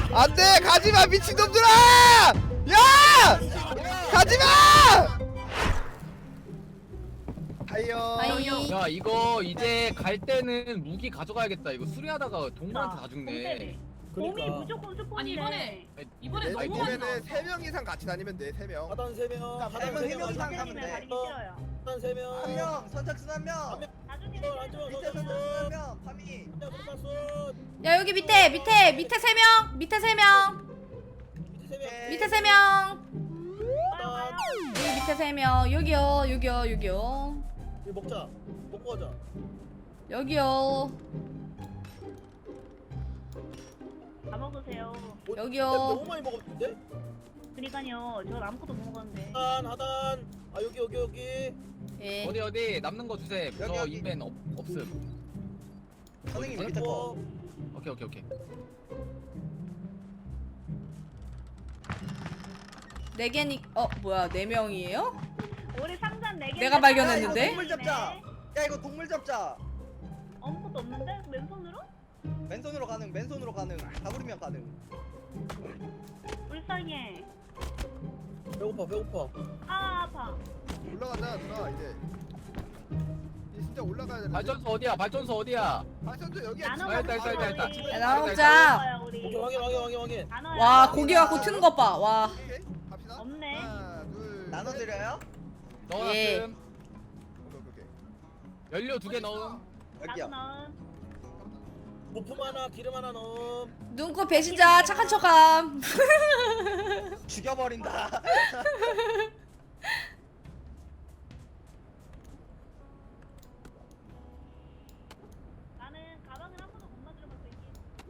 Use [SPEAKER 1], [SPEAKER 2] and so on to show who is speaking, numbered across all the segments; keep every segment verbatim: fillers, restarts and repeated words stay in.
[SPEAKER 1] 안돼 가지마 미친놈들아! 야! 가지마! 하이요.
[SPEAKER 2] 하이.
[SPEAKER 3] 야 이거 이제 갈 때는 무기 가져가야겠다. 이거 수리하다가 동물한테 다 죽네.
[SPEAKER 4] 공대비. 곰이 무조건 스폰이래.
[SPEAKER 5] 아니 이번에 이번에
[SPEAKER 1] 내
[SPEAKER 5] 너무 많이
[SPEAKER 1] 꿈에는 세 명 이상 같이 다니면 돼. 세 명.
[SPEAKER 6] 하단 세 명. 하단
[SPEAKER 7] 세 명, 세 명 이상
[SPEAKER 6] 명.
[SPEAKER 7] 가면 돼.
[SPEAKER 4] 가기 싫어요.
[SPEAKER 6] 하단 세 명.
[SPEAKER 7] 한 명, 선착순 한 명.
[SPEAKER 4] 나중에
[SPEAKER 6] 밑에
[SPEAKER 7] 밑에 선착순 한 명. 파미.
[SPEAKER 2] 야 여기 밑에 밑에 밑에 세 명 밑에 세 명 밑에 세 명 여기 밑에 세 명 여기요 여기요 여기요
[SPEAKER 6] 이거 먹자. 먹고 가자.
[SPEAKER 2] 여기요
[SPEAKER 4] 다 먹으세요.
[SPEAKER 6] 뭐,
[SPEAKER 2] 여기요.
[SPEAKER 6] 너무 많이 먹었는데?
[SPEAKER 4] 그러니까요. 저 아무것도 못 먹었는데.
[SPEAKER 6] 하단 하단. 아 여기 여기 여기.
[SPEAKER 2] 예
[SPEAKER 3] 어디 어디 남는 거 주세요.
[SPEAKER 7] 여기,
[SPEAKER 3] 저
[SPEAKER 7] 여기.
[SPEAKER 3] 인벤 없 없음.
[SPEAKER 7] 선생님
[SPEAKER 3] 어디?
[SPEAKER 7] 밑에 거.
[SPEAKER 3] 오케이 오케이 오케이.
[SPEAKER 2] 네 개니 어 뭐야 네 명이에요?
[SPEAKER 4] 우리 상자 네 개.
[SPEAKER 2] 내가 발견했는데?
[SPEAKER 7] 야, 이거 동물 잡자. 야 이거 동물 잡자.
[SPEAKER 4] 아무것도 없는데? 맨손으로?
[SPEAKER 7] 맨손으로 가능. 맨손으로 가능. 다부리면 가능.
[SPEAKER 4] 불쌍해.
[SPEAKER 6] 배고파 배고파.
[SPEAKER 4] 아 아파.
[SPEAKER 1] 올라가자 누나 이제. 이제 진짜 올라가야 되는데.
[SPEAKER 3] 발전소 어디야? 발전소 어디야?
[SPEAKER 1] 발전소 여기야.
[SPEAKER 4] 나눠
[SPEAKER 3] 아, 일단,
[SPEAKER 4] 먹자
[SPEAKER 3] 일단, 일단,
[SPEAKER 4] 우리.
[SPEAKER 3] 일단.
[SPEAKER 2] 야, 나눠
[SPEAKER 3] 일단,
[SPEAKER 2] 먹자.
[SPEAKER 4] 우리.
[SPEAKER 6] 오케이 확인 확인 확인 확인.
[SPEAKER 4] 나눠요.
[SPEAKER 2] 와 고기 갖고 트는 것봐와
[SPEAKER 1] 오케이 갑시다.
[SPEAKER 4] 없네.
[SPEAKER 1] 하나 둘.
[SPEAKER 7] 나눠
[SPEAKER 1] 셋.
[SPEAKER 7] 드려요?
[SPEAKER 3] 넣어놨음.
[SPEAKER 2] 예.
[SPEAKER 1] 오케이 오케이 오케이.
[SPEAKER 3] 연료 두 개 넣음.
[SPEAKER 7] 여기요.
[SPEAKER 4] 나눠.
[SPEAKER 6] 부품 하나 기름 하나 넣음.
[SPEAKER 2] 눈꽃 배신자 착한 척함
[SPEAKER 7] 죽여버린다.
[SPEAKER 4] 나는 가방을 한 번도 못 만들어봤어 이게.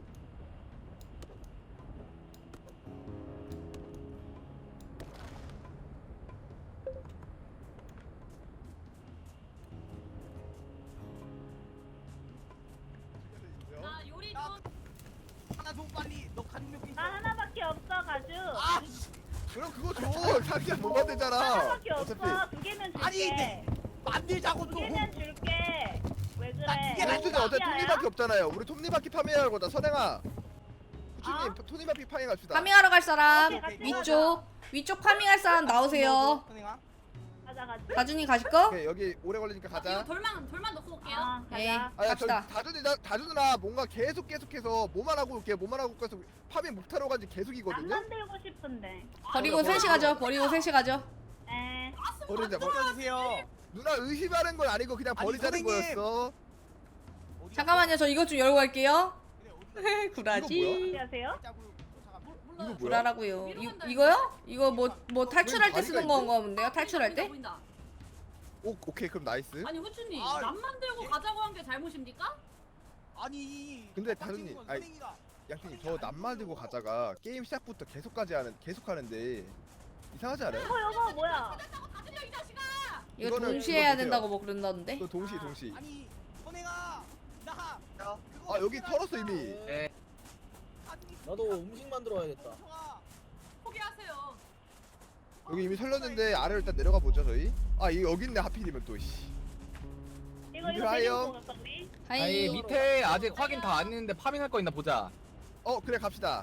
[SPEAKER 5] 나 요리 좀
[SPEAKER 7] 하나 줘 빨리. 너 간육 있어.
[SPEAKER 4] 나 하나밖에 없어 가주.
[SPEAKER 7] 아,
[SPEAKER 1] 그럼 그거 줘. 자기가 못 만들잖아.
[SPEAKER 4] 하나밖에 없어.
[SPEAKER 1] 어차피.
[SPEAKER 4] 두 개면 줄게.
[SPEAKER 7] 아니, 네. 만들자고
[SPEAKER 4] 두
[SPEAKER 7] 좀.
[SPEAKER 4] 개면 줄게. 왜 그래?
[SPEAKER 7] 나 두개
[SPEAKER 1] 우리 어차피 톱니바퀴 없잖아요. 우리 톱니바퀴 파밍할 거다. 선행아. 후추님
[SPEAKER 4] 아?
[SPEAKER 1] 톱니바퀴 파밍합시다.
[SPEAKER 2] 파밍하러 갈 사람
[SPEAKER 4] 오케이, 같이
[SPEAKER 2] 위쪽 위쪽 파밍할 사람 나오세요
[SPEAKER 7] 선생아.
[SPEAKER 4] 가자 가자.
[SPEAKER 2] 가준이 가실 거?
[SPEAKER 1] 오케이 여기 오래 걸리니까
[SPEAKER 5] 이거
[SPEAKER 1] 가자.
[SPEAKER 5] 돌만 돌만 넣고 올게요.
[SPEAKER 4] 아
[SPEAKER 2] 예.
[SPEAKER 4] 가자.
[SPEAKER 1] 아야 저
[SPEAKER 2] 갑시다.
[SPEAKER 1] 다준이 다준 누나 뭔가 계속 계속해서 뭐만 하고 올게 뭐만 하고 계속 파밍 못하러 간지 계속이거든요.
[SPEAKER 4] 안 만들고 싶은데.
[SPEAKER 2] 버리고 셋이 가죠 버리고 셋이 가죠
[SPEAKER 4] 에.
[SPEAKER 1] 버리자. 버...
[SPEAKER 7] 껴주세요.
[SPEAKER 1] 누나 의심하는 건 아니고 그냥
[SPEAKER 7] 아니,
[SPEAKER 1] 버리자는
[SPEAKER 7] 선생님.
[SPEAKER 1] 거였어.
[SPEAKER 2] 잠깐만요 저 이것 좀 열고 갈게요
[SPEAKER 1] 이거
[SPEAKER 2] 구라지
[SPEAKER 4] 안녕하세요.
[SPEAKER 1] 이거 뭐야?
[SPEAKER 2] 구라라고요 이, 이거요? 이거 뭐 뭐 탈출할 때 쓰는 건가 본데요? 탈출할 때?
[SPEAKER 5] 보인다.
[SPEAKER 1] 오 오케이 그럼 나이스.
[SPEAKER 5] 아니 후추님
[SPEAKER 7] 아,
[SPEAKER 5] 남 만들고 가자고 한 게 잘못입니까?
[SPEAKER 7] 아니.
[SPEAKER 1] 근데 다른님, 아니, 양팀님 저 남만 들고 가자가 게임 시작부터 계속까지 하는 계속 하는데 이상하지 않아요?
[SPEAKER 4] 어 여보 뭐야?
[SPEAKER 5] 다 들려 이 자식아.
[SPEAKER 2] 이거
[SPEAKER 1] 이거는
[SPEAKER 2] 동시에
[SPEAKER 1] 그거
[SPEAKER 2] 해야
[SPEAKER 1] 보세요.
[SPEAKER 2] 된다고 뭐 그런다던데?
[SPEAKER 1] 또 동시 동시.
[SPEAKER 7] 아니, 선생아. 나.
[SPEAKER 1] 아 여기 털었어 이미.
[SPEAKER 3] 예.
[SPEAKER 6] 나도 음식 만들어 와야겠다.
[SPEAKER 5] 포기하세요.
[SPEAKER 1] 여기 이미 털렸는데 아래로 일단 내려가 보죠 저희. 아 이거 여기 있네 하필이면 또 씨.
[SPEAKER 4] 이거 이거
[SPEAKER 1] 들어와요.
[SPEAKER 4] 데리고 갈까 우리?
[SPEAKER 3] 아니
[SPEAKER 2] 하이
[SPEAKER 3] 밑에 아직 확인 다 안 했는데 파밍할 거 있나 보자.
[SPEAKER 1] 어 그래 갑시다.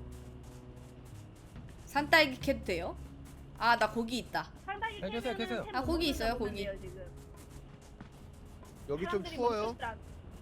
[SPEAKER 2] 산딸기 캐도 돼요? 아 나 고기 있다
[SPEAKER 4] 상당히
[SPEAKER 3] 네, 계세요,
[SPEAKER 4] 깨면은
[SPEAKER 3] 계세요.
[SPEAKER 4] 템
[SPEAKER 2] 아,
[SPEAKER 4] 못
[SPEAKER 2] 고기 있어요,
[SPEAKER 4] 만들어보는데요,
[SPEAKER 2] 고기.
[SPEAKER 4] 지금.
[SPEAKER 1] 여기 좀
[SPEAKER 4] 사람들이
[SPEAKER 1] 추워요.
[SPEAKER 4] 먹고 싶지 않-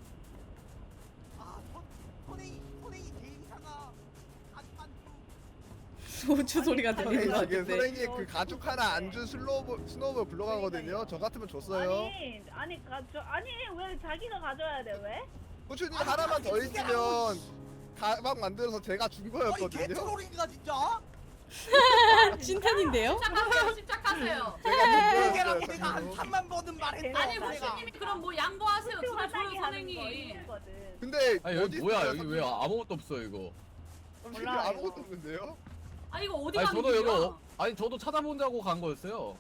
[SPEAKER 7] 아, 선- 선생이, 선생이 제일 이상하. 안만
[SPEAKER 2] 소주 소리가 들리는 것
[SPEAKER 1] 지금
[SPEAKER 2] 같은데
[SPEAKER 1] 선생님 그 가죽 하나 안 준 슬로우 스노우볼 불러가거든요. 저 같으면 줬어요.
[SPEAKER 4] 아니 아니 가져 아니 왜 자기가 가져야 돼 왜?
[SPEAKER 1] 호추님 하나만 더 있으면 가방 만들어서 제가 준
[SPEAKER 7] 아니,
[SPEAKER 1] 거였거든요.
[SPEAKER 7] 개트롤인가 진짜?
[SPEAKER 2] 찐텐인데요?
[SPEAKER 5] 침착하세요. 침착하세요.
[SPEAKER 1] 제가 준
[SPEAKER 7] 이게라고
[SPEAKER 1] 거였어요.
[SPEAKER 7] 내가 한
[SPEAKER 1] 저거.
[SPEAKER 7] 삼만 번은 말했다.
[SPEAKER 5] 아니
[SPEAKER 4] 맞아.
[SPEAKER 5] 후추님이 그럼 뭐 양보하세요.
[SPEAKER 4] 후추가
[SPEAKER 5] 들어줘요
[SPEAKER 4] 따기 하는 거
[SPEAKER 5] 선생님.
[SPEAKER 4] 힘들거든.
[SPEAKER 1] 근데
[SPEAKER 3] 아니 여기
[SPEAKER 1] 어디
[SPEAKER 3] 뭐야
[SPEAKER 1] 있어요,
[SPEAKER 3] 여기 왜
[SPEAKER 1] 선생님?
[SPEAKER 3] 아무것도 없어 이거.
[SPEAKER 1] 선생님
[SPEAKER 4] 몰라요.
[SPEAKER 1] 아무것도 없는데요?
[SPEAKER 5] 아 이거 어디
[SPEAKER 3] 아니
[SPEAKER 5] 가는
[SPEAKER 3] 저도
[SPEAKER 5] 길이야?
[SPEAKER 3] 이거 아니 저도 찾아본다고 간 거였어요.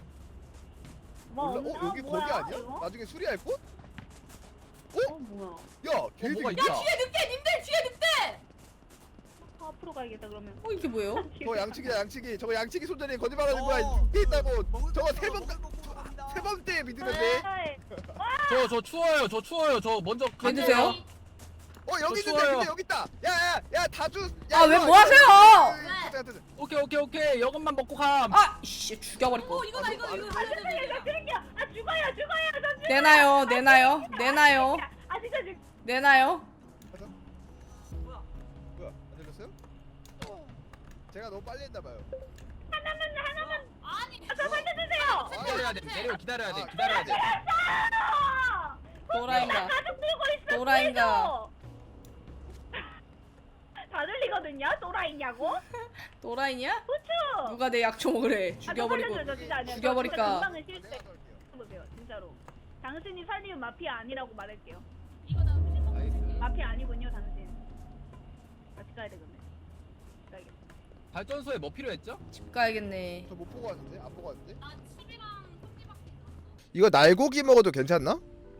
[SPEAKER 4] 뭐
[SPEAKER 1] 몰라?
[SPEAKER 4] 없나?
[SPEAKER 1] 어 여기
[SPEAKER 4] 뭐야,
[SPEAKER 1] 거기 아니야?
[SPEAKER 4] 이거?
[SPEAKER 1] 나중에 수리할 곳?
[SPEAKER 4] 어 뭐야?
[SPEAKER 1] 야 걔들
[SPEAKER 3] 뭐가
[SPEAKER 1] 있다.
[SPEAKER 3] 있다.
[SPEAKER 5] 뒤에 늑대 님들 뒤에 늑대.
[SPEAKER 4] 어, 앞으로 가야겠다 그러면.
[SPEAKER 2] 어 이게 뭐예요?
[SPEAKER 1] 저 양치기야 양치기. 저거 양치기 손전이 거짓말하는 거야.
[SPEAKER 7] 어.
[SPEAKER 1] 이게 있다고.
[SPEAKER 7] 먹을
[SPEAKER 1] 저거
[SPEAKER 7] 거
[SPEAKER 1] 세 번,
[SPEAKER 7] 먹을 거 먹으러 간다.
[SPEAKER 1] 세 번째 믿으면
[SPEAKER 4] 네.
[SPEAKER 1] 돼.
[SPEAKER 4] 아이,
[SPEAKER 3] 저 저 추워요 저 추워요 저 먼저
[SPEAKER 2] 왜
[SPEAKER 3] 갈게요.
[SPEAKER 2] 드세요?
[SPEAKER 1] 어 여기
[SPEAKER 3] 저
[SPEAKER 1] 있는데
[SPEAKER 3] 추워요.
[SPEAKER 1] 근데 여기 있다. 야야야 다주.
[SPEAKER 2] 아, 왜 뭐 하세요?
[SPEAKER 3] 오케이 오케이 오케이 이것만 먹고 감.
[SPEAKER 2] 아, 씨, 죽여버릴 거.
[SPEAKER 5] 어 이거다 이거 이거
[SPEAKER 4] 아 진짜 저 죽여. 아 죽어요 죽어요 저 죽어.
[SPEAKER 2] 내놔요, 내놔요, 내놔요,
[SPEAKER 4] 아 진짜 죽.
[SPEAKER 2] 내놔요.
[SPEAKER 5] 뭐야?
[SPEAKER 1] 뭐야 안 들렸어요? 제가 너무 빨리 했나 봐요.
[SPEAKER 4] 하나만 하나만.
[SPEAKER 5] 아니
[SPEAKER 4] 저 살려주세요.
[SPEAKER 3] 기다려야 돼. 내려 기다려야 돼.
[SPEAKER 1] 아,
[SPEAKER 3] 기다려야 돼.
[SPEAKER 4] 아!
[SPEAKER 2] 또라이인가?
[SPEAKER 4] 가족 들고 있어.
[SPEAKER 2] 또라이인가?
[SPEAKER 4] 다 들리거든요. 또라이냐고?
[SPEAKER 2] 또라이냐?
[SPEAKER 4] 후추.
[SPEAKER 2] 누가 내 약초 먹으래?
[SPEAKER 4] 아, 저
[SPEAKER 2] 죽여버리고.
[SPEAKER 4] 살려줘요, 저 진짜 아니야. 저
[SPEAKER 2] 죽여버릴까?
[SPEAKER 4] 진짜 금방은 실세.
[SPEAKER 1] 내가 쏠게요.
[SPEAKER 4] 해보세요, 진짜로. 당신이 살리면 마피아 아니라고 말할게요.
[SPEAKER 5] 이거 나 후진 먹고
[SPEAKER 3] 나이스.
[SPEAKER 5] 있을게.
[SPEAKER 4] 마피아 아니군요, 당신. 같이 가야 되겠네. 가야겠다.
[SPEAKER 3] 발전소에 뭐 필요했죠?
[SPEAKER 2] 집 가야겠네.
[SPEAKER 1] 저 못 보고 왔는데 안 보고 왔는데.
[SPEAKER 5] 나 칩이랑 손지밖에 없어.
[SPEAKER 1] 이거 날고기 먹어도 괜찮나?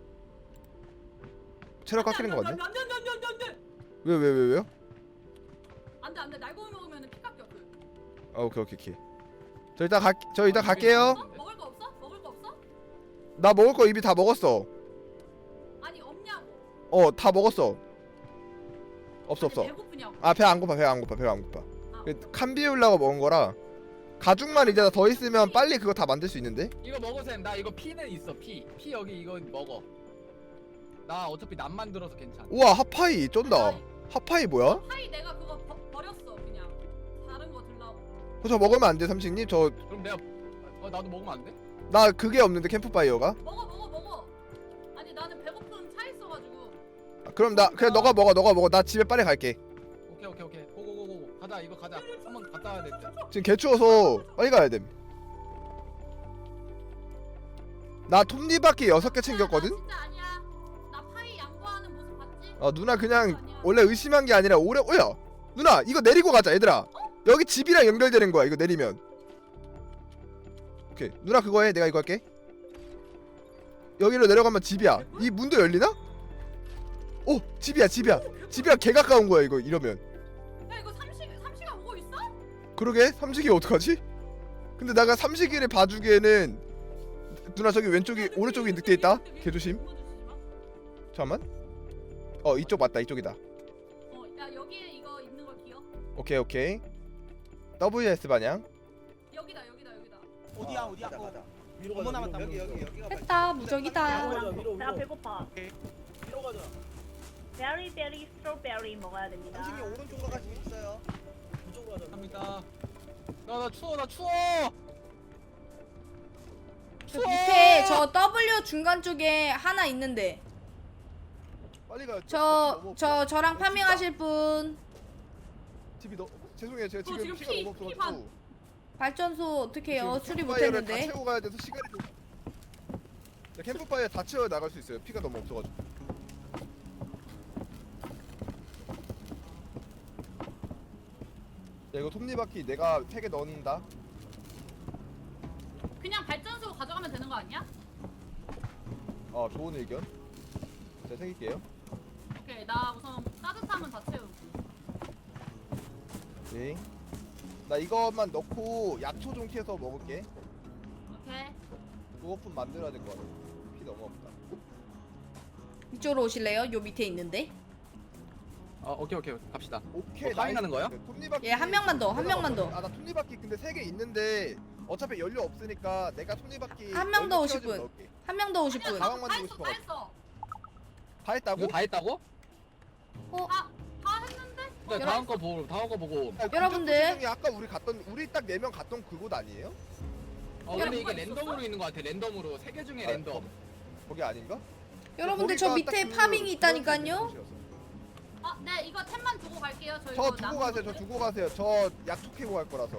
[SPEAKER 1] 체력 깎이는 거 같네.
[SPEAKER 5] 안돼 안돼 안돼 안돼 안돼.
[SPEAKER 1] 왜 왜 왜 왜요?
[SPEAKER 5] 안돼 안돼 날고 먹으면 피 깎여. 그.
[SPEAKER 1] 아 오케이 오케이 오케이. 저 이따 갈, 저 이따 갈게요.
[SPEAKER 5] 없어? 먹을 거 없어? 먹을 거 없어?
[SPEAKER 1] 나 먹을 거 이미 다 먹었어.
[SPEAKER 5] 아니 없냐고.
[SPEAKER 1] 어 다 먹었어. 없어
[SPEAKER 5] 아니,
[SPEAKER 1] 없어.
[SPEAKER 5] 배고프냐고.
[SPEAKER 1] 아 배 안 고파 배 안 고파 배가 안 고파.
[SPEAKER 5] 아,
[SPEAKER 1] 그 칸 비우려고 먹은 거라. 가죽만 이제 더 있으면 빨리 그거 다 만들 수 있는데?
[SPEAKER 3] 이거 먹으셈. 나 이거 피는 있어. 피. 피 여기 이거 먹어. 나 어차피 남 만들어서 괜찮아.
[SPEAKER 1] 우와 핫파이 쩐다.
[SPEAKER 5] 아니,
[SPEAKER 1] 핫파이 뭐야?
[SPEAKER 5] 하이 내가 그거 버, 버렸어 그냥. 다른 거 들라고.
[SPEAKER 1] 어, 저 먹으면 안 돼 삼식님? 저 나
[SPEAKER 3] 그럼 내가 어 나도 먹으면 안 돼?
[SPEAKER 1] 그게 없는데 캠프파이어가?
[SPEAKER 5] 먹어 먹어 먹어. 아니 나는 배고픔 차 있어가지고.
[SPEAKER 1] 아, 그럼 나 그래 너가 먹어 너가 먹어 나 집에 빨리 갈게.
[SPEAKER 3] 오케이 오케이 오케이. 고고고고. 가자 이거 가자. 한번 갔다 와야 돼.
[SPEAKER 1] 지금 개 추워서 빨리 가야 됨. 나 톱니바퀴 여섯 개 챙겼거든?
[SPEAKER 5] 나 진짜 아니야. 나 파이 양보하는 모습 봤지?
[SPEAKER 1] 어 누나 그냥
[SPEAKER 5] 아니야.
[SPEAKER 1] 원래 의심한 게 아니라 오래 오야 누나 이거 내리고 가자 얘들아. 여기 집이랑 연결되는 거야 이거 내리면. 오케이 누나 그거 해 내가 이거 할게. 여기로 내려가면 집이야. 이 문도 열리나? 오 집이야 집이야 집이야 개 가까운 거야 이거 이러면.
[SPEAKER 5] 야 이거 삼식 삼식아 오고 있어?
[SPEAKER 1] 그러게 삼식이 어떡하지? 근데 내가 삼식이를 봐주기에는 누나 저기 왼쪽이 오른쪽이 늑대 있다. 개 조심. 잠깐만. 어 이쪽 맞다 이쪽이다.
[SPEAKER 5] 어야 여기에 이거 있는 거 기억?
[SPEAKER 1] 오케이 오케이. 더블유에스 반향.
[SPEAKER 5] 여기다 여기다 여기다.
[SPEAKER 7] 어디야 어디야?
[SPEAKER 6] 가자,
[SPEAKER 7] 어.
[SPEAKER 6] 가자. 위로
[SPEAKER 7] 어머
[SPEAKER 6] 가자.
[SPEAKER 7] 남았다.
[SPEAKER 6] 위로.
[SPEAKER 7] 여기 여기 여기.
[SPEAKER 2] 했다, 무적이다.
[SPEAKER 6] 위로 가자. 위로
[SPEAKER 4] 내가
[SPEAKER 6] 위로.
[SPEAKER 4] 배고파.
[SPEAKER 6] 위로 가자.
[SPEAKER 4] 베리 베리 스트로베리 먹어야 됩니다.
[SPEAKER 7] 당신이 오른쪽으로 갈 수 있어요.
[SPEAKER 6] 이쪽으로 가자.
[SPEAKER 3] 갑니다. 나 나 추워 나 추워.
[SPEAKER 2] 저 밑에 저 W 중간 쪽에 하나 있는데.
[SPEAKER 1] 빨리 가요.
[SPEAKER 2] 저, 저, 저랑 파밍하실 분.
[SPEAKER 1] 집이 너 죄송해요 제가
[SPEAKER 5] 저
[SPEAKER 1] 지금
[SPEAKER 5] 지금
[SPEAKER 1] 피가
[SPEAKER 5] 피-
[SPEAKER 1] 너무
[SPEAKER 5] 피
[SPEAKER 1] 없어가지고
[SPEAKER 2] 발전소 어떻게 해요?
[SPEAKER 1] 지금
[SPEAKER 2] 수리
[SPEAKER 1] 캠프파이어를
[SPEAKER 2] 못했는데.
[SPEAKER 1] 다 채우고 가야 돼서 시간이 좀. 네, 캠프파이어 다 채워 나갈 수 있어요. 피가 너무 없어가지고. 야 이거 톱니바퀴 내가 세 개 넣는다.
[SPEAKER 5] 그냥 발전소 가져가면 되는 거 아니야?
[SPEAKER 1] 어 좋은 의견. 제가 챙길게요.
[SPEAKER 5] 오케이 나 우선 따뜻하면 다 채우고.
[SPEAKER 1] 네. 나 이것만 넣고 약초 좀 캐서 먹을게.
[SPEAKER 5] 오케이.
[SPEAKER 1] 무거품 만들어야 될 것 같아. 피 너무 없다.
[SPEAKER 2] 이쪽으로 오실래요? 요 밑에 있는데.
[SPEAKER 3] 어 오케이 오케이 갑시다.
[SPEAKER 1] 오케이.
[SPEAKER 3] 뭐 파밍하는 거야?
[SPEAKER 1] 톱니바퀴.
[SPEAKER 2] 예, 한 명만 더, 한 명만 더.
[SPEAKER 1] 아나 톱니바퀴 근데 세 개 있는데 어차피 연료 없으니까 내가 톱니바퀴.
[SPEAKER 2] 한명더
[SPEAKER 1] 연료
[SPEAKER 2] 오실
[SPEAKER 1] 채워주면
[SPEAKER 2] 분.
[SPEAKER 1] 넣을게.
[SPEAKER 2] 한 명 더 오실
[SPEAKER 5] 아니야
[SPEAKER 2] 분.
[SPEAKER 1] 가방
[SPEAKER 5] 다
[SPEAKER 1] 만들고
[SPEAKER 5] 했어 다
[SPEAKER 1] 싶어가지고.
[SPEAKER 5] 했어.
[SPEAKER 1] 다 했다고?
[SPEAKER 3] 이거 다 했다고?
[SPEAKER 2] 어,
[SPEAKER 5] 다 다 했는데?
[SPEAKER 3] 네,
[SPEAKER 2] 여러-
[SPEAKER 3] 다음 거 보고 다음 거 보고.
[SPEAKER 1] 야,
[SPEAKER 2] 여러분들.
[SPEAKER 1] 군정부시장이 아까 우리 갔던 우리 딱 네 명 갔던 그곳 아니에요?
[SPEAKER 3] 어
[SPEAKER 5] 야,
[SPEAKER 3] 근데
[SPEAKER 5] 뭐가
[SPEAKER 3] 이게
[SPEAKER 5] 있었어?
[SPEAKER 3] 랜덤으로 있는 거 같아. 랜덤으로 세 개 중에
[SPEAKER 1] 아,
[SPEAKER 3] 랜덤.
[SPEAKER 1] 거기 아닌가?
[SPEAKER 2] 여러분들 저
[SPEAKER 1] 거기가
[SPEAKER 2] 밑에
[SPEAKER 1] 딱 그-
[SPEAKER 2] 파밍이
[SPEAKER 1] 그런
[SPEAKER 2] 있다니까요.
[SPEAKER 1] 곳이었어.
[SPEAKER 5] 아, 네 이거 템만 두고 갈게요. 저
[SPEAKER 1] 저
[SPEAKER 5] 이거
[SPEAKER 1] 두고
[SPEAKER 5] 남은
[SPEAKER 1] 가세요. 저
[SPEAKER 5] 것들.
[SPEAKER 1] 두고 가세요. 저 약초 캐고 갈 거라서.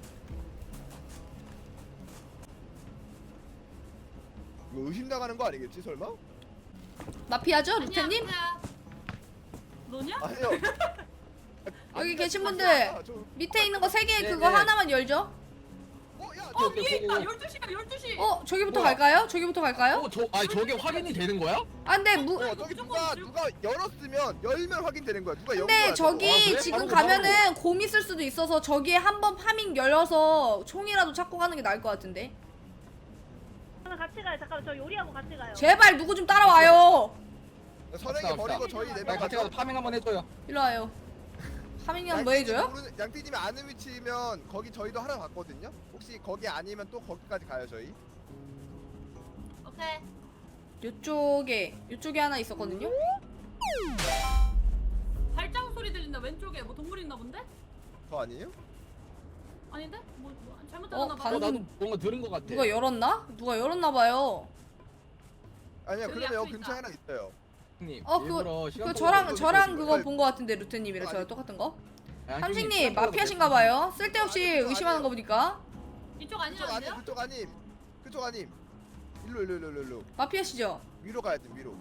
[SPEAKER 1] 이거 의심 나가는 거 아니겠지 설마?
[SPEAKER 2] 마피아죠,
[SPEAKER 5] 아니야,
[SPEAKER 2] 루테님?
[SPEAKER 5] 아니야. 너냐?
[SPEAKER 1] 아니요.
[SPEAKER 2] 여기 계신 분들.
[SPEAKER 1] 아, 저,
[SPEAKER 2] 밑에 있는 거 세 개
[SPEAKER 3] 네,
[SPEAKER 2] 그거
[SPEAKER 3] 네.
[SPEAKER 2] 하나만 열죠.
[SPEAKER 1] 어, 야,
[SPEAKER 5] 어
[SPEAKER 3] 오케이,
[SPEAKER 5] 위에
[SPEAKER 3] 오케이,
[SPEAKER 5] 있다.
[SPEAKER 3] 오케이.
[SPEAKER 5] 열두 시야 열두 시.
[SPEAKER 2] 어, 저기부터
[SPEAKER 3] 뭐야?
[SPEAKER 2] 갈까요? 저기부터 갈까요?
[SPEAKER 3] 어, 저 아니 저게 확인이 되는 거야?
[SPEAKER 2] 아, 근데 무
[SPEAKER 1] 어, 저기 누가 누가 열었으면 열면 확인되는 거야. 누가 연
[SPEAKER 2] 근데
[SPEAKER 1] 거야.
[SPEAKER 2] 저기
[SPEAKER 3] 아, 그래?
[SPEAKER 2] 지금
[SPEAKER 3] 바로
[SPEAKER 2] 가면은 곰 있을 수도 있어서 저기에 한번 파밍 열어서 총이라도 찾고 가는 게 나을 것 같은데.
[SPEAKER 4] 저는 같이 가요. 잠깐만 저 요리하고 같이 가요.
[SPEAKER 2] 제발 누구 좀 따라와요.
[SPEAKER 1] 선행이
[SPEAKER 3] 갑시다,
[SPEAKER 1] 버리고
[SPEAKER 3] 갑시다.
[SPEAKER 1] 저희
[SPEAKER 3] 야,
[SPEAKER 1] 네명
[SPEAKER 3] 같이 가서 파밍 한번 해줘요.
[SPEAKER 2] 일로 와요. 하민이형 뭐 해줘요?
[SPEAKER 1] 양띠님이 아는 위치면 거기 저희도 하러 갔거든요. 혹시 거기 아니면 또 거기까지 가요 저희.
[SPEAKER 5] 오케이.
[SPEAKER 2] 요쪽에 요쪽에 하나 있었거든요.
[SPEAKER 5] 발자국 소리 들린다. 왼쪽에 뭐 동물 있나 본데?
[SPEAKER 1] 저 아니에요?
[SPEAKER 5] 아닌데? 뭐, 뭐 잘못
[SPEAKER 2] 어,
[SPEAKER 5] 들었나 봐.
[SPEAKER 3] 어, 나도 뭔가 들은 것 같아.
[SPEAKER 2] 누가 열었나? 누가 열었나 봐요.
[SPEAKER 1] 아니요
[SPEAKER 5] 저기
[SPEAKER 1] 그러면
[SPEAKER 5] 앞에
[SPEAKER 1] 여기 근처에
[SPEAKER 5] 있다.
[SPEAKER 1] 하나 있어요.
[SPEAKER 3] 형님,
[SPEAKER 2] 어,
[SPEAKER 3] 일부러
[SPEAKER 2] 그거
[SPEAKER 3] 시간
[SPEAKER 2] 그
[SPEAKER 3] 끌고
[SPEAKER 2] 저랑
[SPEAKER 1] 이거
[SPEAKER 2] 저랑
[SPEAKER 1] 이거
[SPEAKER 2] 그거
[SPEAKER 1] 이거
[SPEAKER 2] 본 거 같은데 루테님이랑
[SPEAKER 1] 이거
[SPEAKER 2] 저랑
[SPEAKER 1] 아니-
[SPEAKER 2] 똑같은 거.
[SPEAKER 3] 야, 형님,
[SPEAKER 2] 삼식님
[SPEAKER 3] 시간 끌고
[SPEAKER 2] 마피아신가 봐요. 쓸데없이
[SPEAKER 1] 아니, 그거
[SPEAKER 2] 의심하는
[SPEAKER 1] 아니에요.
[SPEAKER 2] 거 보니까
[SPEAKER 5] 이쪽
[SPEAKER 1] 그쪽 아님
[SPEAKER 5] 아니라는데요?
[SPEAKER 1] 그쪽 아님 그쪽 아님. 일로 일로 일로 일로 일로
[SPEAKER 2] 마피아시죠?
[SPEAKER 1] 위로 가야 돼 위로.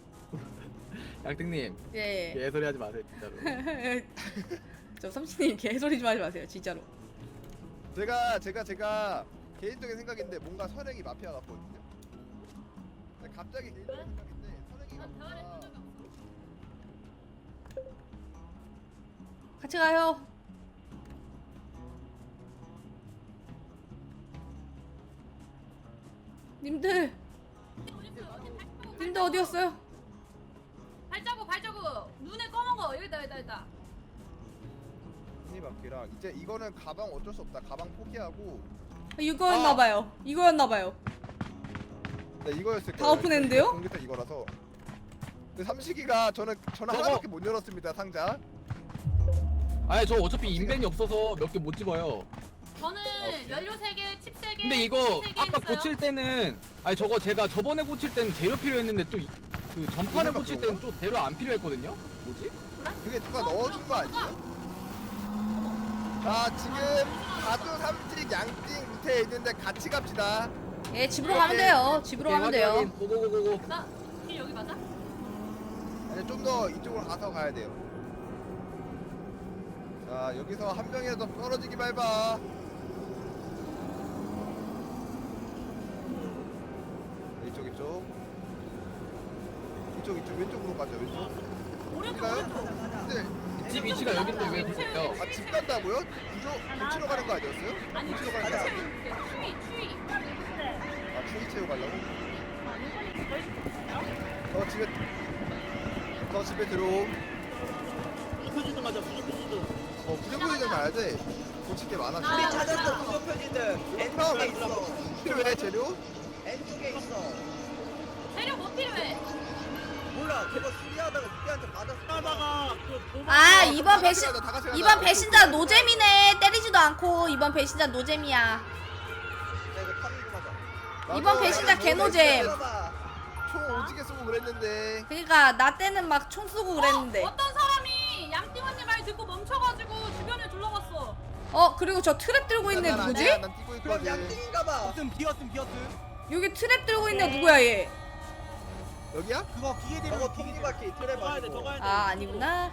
[SPEAKER 3] 양띵님,
[SPEAKER 2] 예.
[SPEAKER 3] 개소리 하지 마세요, 진짜로.
[SPEAKER 2] 저 삼식님 개소리 좀 하지 마세요, 진짜로.
[SPEAKER 1] 제가 제가 제가 개인적인 생각인데 뭔가 선행이 마피아 같거든요. 근데 갑자기 개인적인 생각인데 선행이
[SPEAKER 5] 난 대화를
[SPEAKER 1] 마피아.
[SPEAKER 5] 해본 적이 없어.
[SPEAKER 2] 같이 가요. 님들,
[SPEAKER 5] 어디 있어요? 어디 발자국?
[SPEAKER 2] 님들 어디였어요?
[SPEAKER 5] 발자국 발자국. 눈에 검은 거. 여기다 여기다 여기다.
[SPEAKER 1] 선행이 마피아랑 이제 이거는 가방 어쩔 수 없다. 가방 포기하고.
[SPEAKER 2] 이거였나
[SPEAKER 1] 아.
[SPEAKER 2] 봐요. 이거였나 봐요.
[SPEAKER 1] 네 이거였을
[SPEAKER 2] 다
[SPEAKER 1] 거예요.
[SPEAKER 2] 오픈했는데요?
[SPEAKER 1] 공개태 이거라서. 근데 삼식이가 저는 저는
[SPEAKER 3] 저거-
[SPEAKER 1] 하나밖에 못 열었습니다 상자.
[SPEAKER 3] 아니, 저 어차피 인벤이 없어서 몇 개 못 집어요.
[SPEAKER 5] 저는
[SPEAKER 1] 오케이.
[SPEAKER 5] 연료 세 개, 칩 세 개.
[SPEAKER 3] 근데 이거
[SPEAKER 5] 세 개
[SPEAKER 3] 아까
[SPEAKER 5] 있어요.
[SPEAKER 3] 고칠 때는 아니 저거 제가 저번에 고칠 때는 재료 필요했는데 또 그 전판에
[SPEAKER 1] 이거밖에
[SPEAKER 3] 고칠 때는 또 재료 안 필요했거든요. 뭐지?
[SPEAKER 1] 그게 누가 넣어준 거 아니에요? 자 지금 가두 삼식 양띵 밑에 있는데 같이 갑시다.
[SPEAKER 2] 예, 집으로 가면 돼요. 집으로 가면
[SPEAKER 3] 오케이, 확인,
[SPEAKER 2] 돼요.
[SPEAKER 3] 확인. 고고고고고.
[SPEAKER 5] 나길 여기 맞아?
[SPEAKER 1] 아니 좀 더 이쪽으로 가서 가야 돼요. 자 여기서 한 명이라도 떨어지기 밟아. 이쪽 이쪽 이쪽 이쪽 왼쪽으로 가죠 왼쪽.
[SPEAKER 5] 오른쪽
[SPEAKER 1] 가요?
[SPEAKER 5] 오른쪽.
[SPEAKER 1] 네.
[SPEAKER 3] 집 위치가 여기인데 왜 그러세요?
[SPEAKER 1] 아 집 간다고요? 구조 고치러 가는 거 아니었어요?
[SPEAKER 5] 아니
[SPEAKER 1] 고치러
[SPEAKER 5] 추위
[SPEAKER 1] 가는 거 아니야?
[SPEAKER 5] 채울게. 추위 추위.
[SPEAKER 4] 네.
[SPEAKER 1] 아 추위 채우 가려고?
[SPEAKER 4] 아, 요건이 더 있어요?
[SPEAKER 1] 저 집에 저 집에 들어오.
[SPEAKER 6] 표지도 맞아 표지도.
[SPEAKER 1] 어 부정부리전 가야 돼. 고칠 게 많아.
[SPEAKER 5] 아,
[SPEAKER 7] 우리
[SPEAKER 1] 지금.
[SPEAKER 7] 찾았어 구조 표지들. N 쪽에 있어.
[SPEAKER 1] 필요해 재료?
[SPEAKER 7] N 쪽에 있어.
[SPEAKER 5] 재료 뭐 필요해?
[SPEAKER 7] 몰라. 걔가 수리하다가 우리한테 맞았어.
[SPEAKER 6] 하다가 그 도망.
[SPEAKER 2] 아,
[SPEAKER 1] 어,
[SPEAKER 2] 이번
[SPEAKER 1] 다 같이
[SPEAKER 2] 배신
[SPEAKER 1] 가자, 다 같이 가자.
[SPEAKER 2] 이번 배신자 노잼이네. 때리지도 않고 이번 배신자 노잼이야.
[SPEAKER 7] 야 이거 파밍 좀 하자.
[SPEAKER 1] 나도
[SPEAKER 2] 이번 배신자
[SPEAKER 1] 나도
[SPEAKER 2] 개노잼.
[SPEAKER 7] 들어봐.
[SPEAKER 1] 총 오지게 쏘고 그랬는데.
[SPEAKER 2] 그러니까 나 때는 막 총 쏘고 그랬는데.
[SPEAKER 5] 어, 어떤 사람이 양띵언니 말 듣고 멈춰가지고 주변을 둘러봤어.
[SPEAKER 2] 어, 그리고 저 트랩 들고 있는
[SPEAKER 1] 난
[SPEAKER 2] 누구지?
[SPEAKER 1] 아니야, 난 뛰고
[SPEAKER 7] 그럼
[SPEAKER 1] 있거든.
[SPEAKER 7] 양띵인가봐.
[SPEAKER 6] 비었음 비었음 비었음.
[SPEAKER 2] 여기 트랩 들고 있는 누구야 얘?
[SPEAKER 1] 여기야?
[SPEAKER 6] 그거 기계 되면
[SPEAKER 7] 저거 톱니바퀴 트랩
[SPEAKER 6] 더 가야 돼, 더
[SPEAKER 7] 아니고.
[SPEAKER 6] 가야 돼.
[SPEAKER 2] 아, 아니구나.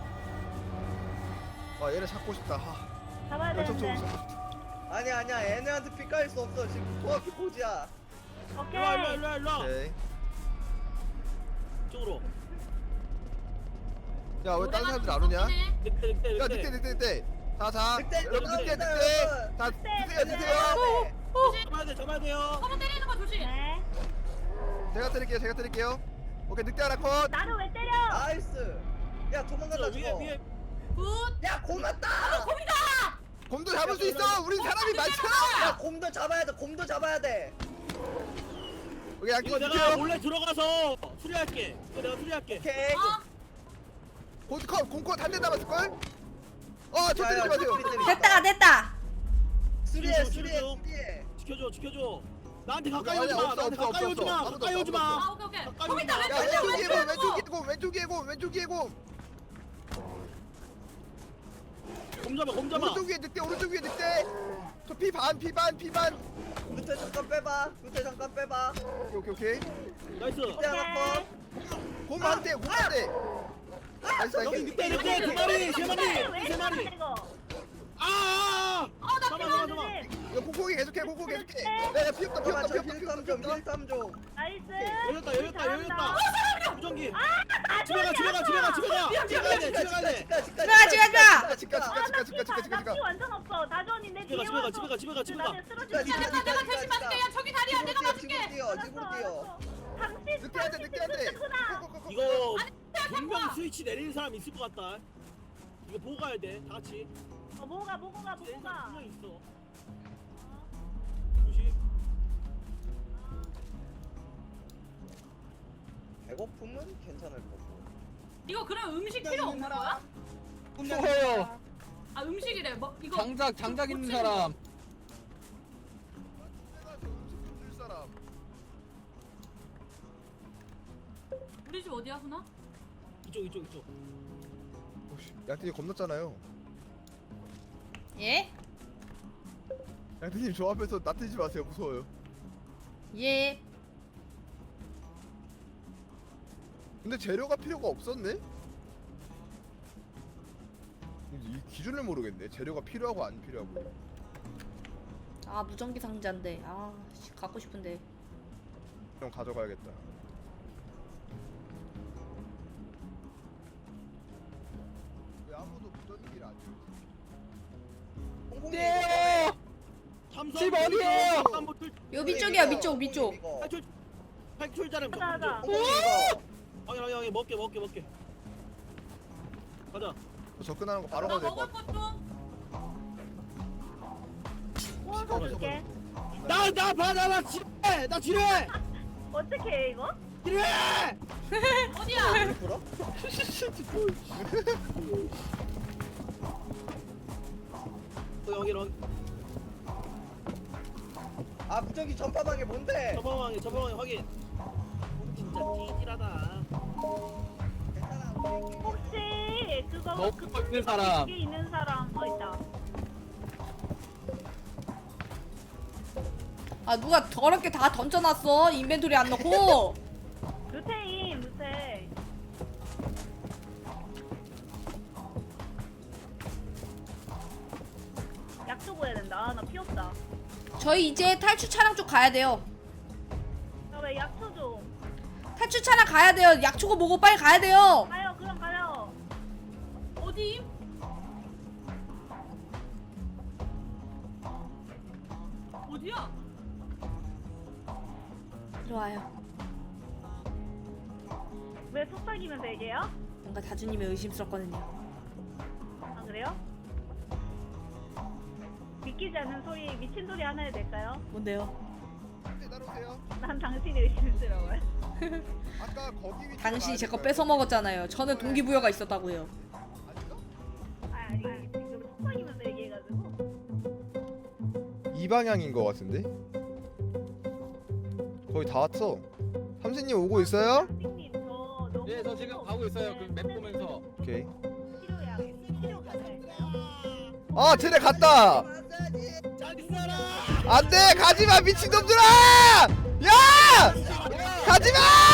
[SPEAKER 1] 아 얘네 잡고 싶다. 하.
[SPEAKER 4] 잡아야
[SPEAKER 1] 열정 좀
[SPEAKER 4] 되는데.
[SPEAKER 1] 잡고 싶다.
[SPEAKER 7] 아니야 아니야 얘네한테 피 깔 수 없어. 지금 정확히 고지야.
[SPEAKER 4] 오케이.
[SPEAKER 6] 일로 와 일로 와 일로 와.
[SPEAKER 1] 오케이.
[SPEAKER 6] 이쪽으로.
[SPEAKER 1] 야 왜 다른 사람들 안 오냐?
[SPEAKER 6] 늑대 늑대
[SPEAKER 1] 야
[SPEAKER 6] 늑대.
[SPEAKER 1] 늑대 늑대 늑대. 자 자.
[SPEAKER 7] 늑대,
[SPEAKER 1] 여러분 늑대
[SPEAKER 7] 늑대,
[SPEAKER 1] 늑대.
[SPEAKER 7] 늑대.
[SPEAKER 1] 다
[SPEAKER 4] 늑대,
[SPEAKER 1] 드세요
[SPEAKER 4] 늑대.
[SPEAKER 1] 드세요.
[SPEAKER 6] 잡아야 돼 잡아야 돼요.
[SPEAKER 5] 서로 때리는 거 조심.
[SPEAKER 4] 네.
[SPEAKER 1] 제가 때릴게요 제가 때릴게요. 오케이 늑대 하나 컷.
[SPEAKER 4] 나를 왜 때려?
[SPEAKER 7] 나이스. 야 도망간다
[SPEAKER 6] 위에
[SPEAKER 7] 저거.
[SPEAKER 6] 위에.
[SPEAKER 5] 굿.
[SPEAKER 7] 야 곰났다.
[SPEAKER 1] 곰도 잡을 수 있어. 우린 사람이 많잖아.
[SPEAKER 7] 야 곰도 잡아야 돼. 곰도 잡아야 돼.
[SPEAKER 1] 오케이 양띵
[SPEAKER 6] 이거 내가
[SPEAKER 1] 드세요.
[SPEAKER 6] 몰래 들어가서 수리할게. 이거 내가 수리할게.
[SPEAKER 7] 오케이.
[SPEAKER 5] 어?
[SPEAKER 1] 곰컷 곰컷 한 대 남았을 걸? 어저 때리지
[SPEAKER 7] 야, 야,
[SPEAKER 1] 마세요.
[SPEAKER 7] 소리 때리지
[SPEAKER 2] 됐다, 됐다.
[SPEAKER 7] 수리해
[SPEAKER 6] 지켜줘,
[SPEAKER 7] 수리해
[SPEAKER 6] 지켜줘.
[SPEAKER 7] 수리해.
[SPEAKER 6] 지켜줘 지켜줘. 나한테 가까이
[SPEAKER 1] 아니야,
[SPEAKER 6] 오지 마.
[SPEAKER 1] 없어,
[SPEAKER 6] 나한테
[SPEAKER 1] 없어,
[SPEAKER 6] 가까이
[SPEAKER 1] 없어,
[SPEAKER 6] 오지 마.
[SPEAKER 1] 없어.
[SPEAKER 6] 가까이 오지 마.
[SPEAKER 5] 아 오케이 오케이.
[SPEAKER 6] 가까이
[SPEAKER 5] 거기 있다
[SPEAKER 6] 오지 마.
[SPEAKER 1] 야
[SPEAKER 5] 왼쪽
[SPEAKER 1] 왼쪽에
[SPEAKER 5] 왼쪽
[SPEAKER 1] 곰
[SPEAKER 5] 왼쪽.
[SPEAKER 1] 왼쪽에 곰 왼쪽에 곰 왼쪽에 곰.
[SPEAKER 6] 곰 잡아 곰 잡아.
[SPEAKER 1] 오른쪽 위에 늑대 오른쪽 위에 늑대. 저 피 반 피 반 피 반.
[SPEAKER 7] 밑에 잠깐 빼봐. 밑에 잠깐 빼봐.
[SPEAKER 1] 오케이 오케이 오케이.
[SPEAKER 6] 나이스.
[SPEAKER 7] 밑에 하나 컷.
[SPEAKER 1] 곰 한 대, 곰 한 대. 나이스
[SPEAKER 6] 여기
[SPEAKER 1] 나이스.
[SPEAKER 6] 늑대 늑대 두 마리 세 마리
[SPEAKER 4] 왜
[SPEAKER 6] 세 마리.
[SPEAKER 4] 이러는 이거?
[SPEAKER 6] 아!
[SPEAKER 5] 어나
[SPEAKER 6] 잡아
[SPEAKER 5] 필요.
[SPEAKER 6] 잡아 잡아.
[SPEAKER 1] 이거 콩콩이 계속해 콩콩 계속해. 야야 피 없다 피
[SPEAKER 7] 잠깐만
[SPEAKER 1] 없다
[SPEAKER 7] 저
[SPEAKER 1] 피 없다 피
[SPEAKER 7] 힐삼
[SPEAKER 1] 없다 피
[SPEAKER 7] 좀
[SPEAKER 1] 없다.
[SPEAKER 7] 힐삼 좀.
[SPEAKER 4] 나이스.
[SPEAKER 6] 열렸다 열렸다 열렸다.
[SPEAKER 4] 잘한다.
[SPEAKER 6] 무전기.
[SPEAKER 4] 아,
[SPEAKER 6] 집에 가 집에 가 집에 가 집에 가. 집에 가야 돼 집에 가야 돼.
[SPEAKER 7] 집가 집가
[SPEAKER 2] 집에 가, 집에 가.
[SPEAKER 1] 집가 집가
[SPEAKER 4] 아,
[SPEAKER 1] 집가 집가 집가 집가 집가.
[SPEAKER 4] 나 피 완전 없어. 다전이 내
[SPEAKER 6] 집에 가,
[SPEAKER 4] 뒤에
[SPEAKER 6] 집에 가,
[SPEAKER 4] 와서
[SPEAKER 6] 집에 가, 집에 가, 집에 가.
[SPEAKER 4] 나한테
[SPEAKER 7] 집가,
[SPEAKER 4] 쓰러지지
[SPEAKER 7] 집가,
[SPEAKER 5] 내가 내가 대신 맞을게. 야 저기 다리야 내가
[SPEAKER 7] 지금
[SPEAKER 5] 맞을게.
[SPEAKER 7] 뛰어 지금 뛰어.
[SPEAKER 4] 삼십
[SPEAKER 1] 늦게 해야 돼 늦게 해야 돼
[SPEAKER 4] 크다.
[SPEAKER 1] 고고고고.
[SPEAKER 6] 이거 분명 스위치 내리는 사람 있을 것 같다. 이거 보고 가야 돼. 다 같이.
[SPEAKER 4] 어 뭐가 뭐가
[SPEAKER 6] 내리는 사람
[SPEAKER 4] 뭐가.
[SPEAKER 6] 분명 있어. 조심.
[SPEAKER 7] 배고픔은 괜찮을 거고.
[SPEAKER 5] 이거 그럼 음식 필요 없는 거야?
[SPEAKER 3] 추워요.
[SPEAKER 5] 아 음식이래. 뭐 이거
[SPEAKER 3] 장작 장작 있는
[SPEAKER 5] 고치는
[SPEAKER 3] 사람.
[SPEAKER 1] 내가 저 음식 좀 줄 사람.
[SPEAKER 5] 우리 집 어디야 훈아?
[SPEAKER 6] 이쪽 이쪽 이쪽.
[SPEAKER 1] 오씨 양띠님 겁났잖아요.
[SPEAKER 2] 예?
[SPEAKER 1] 양띠님 저 앞에서 나대지 마세요 무서워요.
[SPEAKER 2] 예.
[SPEAKER 1] 근데 재료가 필요가 없었네? 이 기준을 모르겠네. 재료가 필요하고 안 필요하고.
[SPEAKER 2] 아 무전기 상자인데. 아 씨, 갖고 싶은데.
[SPEAKER 1] 좀 가져가야겠다. 왜 아무도 무전기를 안 줘?
[SPEAKER 7] 홍콩님
[SPEAKER 3] 네.
[SPEAKER 6] 삼성
[SPEAKER 3] 집 어디예요?
[SPEAKER 6] 한번 출-
[SPEAKER 2] 요 밑쪽이야 밑쪽 밑쪽.
[SPEAKER 7] 이거.
[SPEAKER 6] 탈출 탈출자는
[SPEAKER 4] 하자, 하자.
[SPEAKER 7] 홍콩님 이거.
[SPEAKER 6] 확인 확인 확인 먹게 먹게 먹게. 가자.
[SPEAKER 1] 저 접근하는 거 바로
[SPEAKER 5] 나
[SPEAKER 1] 가도 될 것
[SPEAKER 5] 먹을
[SPEAKER 1] 같아.
[SPEAKER 5] 것 좀.
[SPEAKER 4] 구워서 줄게.
[SPEAKER 6] 나나 받아 나 지뢰 나 지뢰
[SPEAKER 4] 어떻게 해 이거?
[SPEAKER 6] 지뢰.
[SPEAKER 5] 어디야?
[SPEAKER 7] 불어?
[SPEAKER 6] 또 여기 여기
[SPEAKER 7] 아 무전기 전파방에 뭔데?
[SPEAKER 6] 저방에 저방에 확인. 진짜 찌질하다.
[SPEAKER 7] 괜찮아. 우리
[SPEAKER 4] 혹시 그거
[SPEAKER 3] 먹고 있는 사람.
[SPEAKER 4] 여기 있는 사람 어 있다.
[SPEAKER 2] 아 누가 더럽게 다 던져놨어 인벤토리 안 넣고.
[SPEAKER 4] 루테인 루테. 약초 구해야 된다. 아, 나 피 없다.
[SPEAKER 2] 저희 이제 탈출 차량 쪽 가야 돼요.
[SPEAKER 4] 나 왜 약초 좀.
[SPEAKER 2] 탈출 차량 가야 돼요. 약초고 뭐고 빨리 가야 돼요.
[SPEAKER 4] 가요 그럼 가요.
[SPEAKER 5] 어디? 어디야?
[SPEAKER 2] 이리 와요.
[SPEAKER 4] 왜 속삭이면서 얘기해요?
[SPEAKER 2] 뭔가 다주님이 의심스럽거든요.
[SPEAKER 4] 아 그래요? 믿기지 않는 소리 미친 소리 하나 해도 될까요?
[SPEAKER 2] 뭔데요?
[SPEAKER 1] 네, 따라오세요.
[SPEAKER 4] 난 당신이 의심스러워요.
[SPEAKER 1] 아까 거기 위치.
[SPEAKER 2] 당신이 제 거 뺏어 먹었잖아요. 저는 동기부여가 있었다고요.
[SPEAKER 1] 아닌가?
[SPEAKER 4] 아, 아니 지금 속삭이면서 얘기해가지고.
[SPEAKER 1] 이 방향인 것 같은데? 거의 다 왔어. 삼신님 오고 있어요?
[SPEAKER 4] 선생님 저 너무
[SPEAKER 3] 예, 저 지금 가고 있어요. 그 맵 보면서.
[SPEAKER 1] 오케이.
[SPEAKER 4] 치료야. 치료 가능할까요?
[SPEAKER 1] 아 쟤네 갔다.
[SPEAKER 6] 잘 있어라.
[SPEAKER 1] 안돼 가지마 미친놈들아! 야! 가지마!